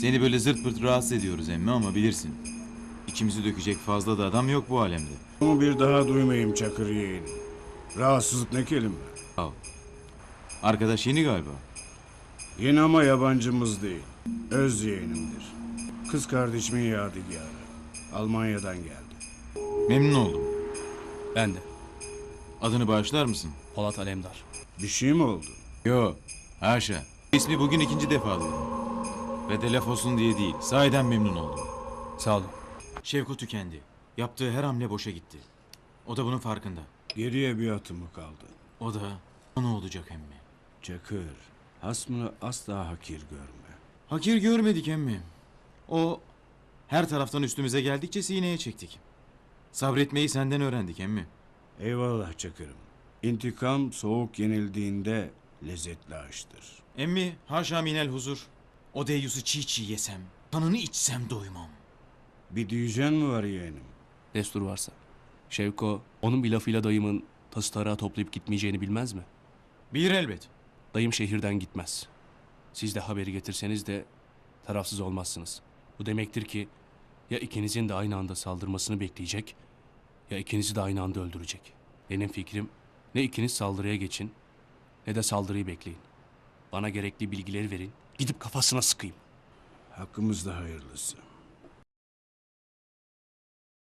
Seni böyle zırt pırt rahatsız ediyoruz emmi ama bilirsin. İçimizi dökecek fazla da adam yok bu alemde. Ama bir daha duymayayım Çakır yeğenim. Rahatsızlık ne kelime? Al. Arkadaş yeni galiba. Yeni ama yabancımız değil. Öz yeğenimdir. Kız kardeşimin yadigarı. Almanya'dan geldi. Memnun oldum. Ben de. Adını bağışlar mısın? Polat Alemdar. Bir şey mi oldu? Yo. Haşa. İsmi bugün ikinci defa duydum. Ve de laf olsun diye değil. Sahiden memnun oldum. Sağ olun. Şevko tükendi. Yaptığı her hamle boşa gitti. O da bunun farkında. Geriye bir atımı kaldı. O da ne olacak emmi? Çakır, hasmını asla hakir görme. Hakir görmedik emmi. O her taraftan üstümüze geldikçe sineye çektik. Sabretmeyi senden öğrendik emmi. Eyvallah Çakır'ım. İntikam soğuk yenildiğinde lezzetli aştır. Emmi haşa minel huzur. O deyyusu çiğ çiğ yesem, kanını içsem doymam. Bir diyeceğin mi var yeğenim? Destur varsa. Şevko, onun bir lafıyla dayımın tası tarağı toplayıp gitmeyeceğini bilmez mi? Bilir elbet. Dayım şehirden gitmez. Siz de haberi getirseniz de tarafsız olmazsınız. Bu demektir ki ya ikinizin de aynı anda saldırmasını bekleyecek ya ikinizi de aynı anda öldürecek. Benim fikrim ne ikiniz saldırıya geçin ne de saldırıyı bekleyin. Bana gerekli bilgileri verin, gidip kafasına sıkayım. Hakkımızda hayırlısı.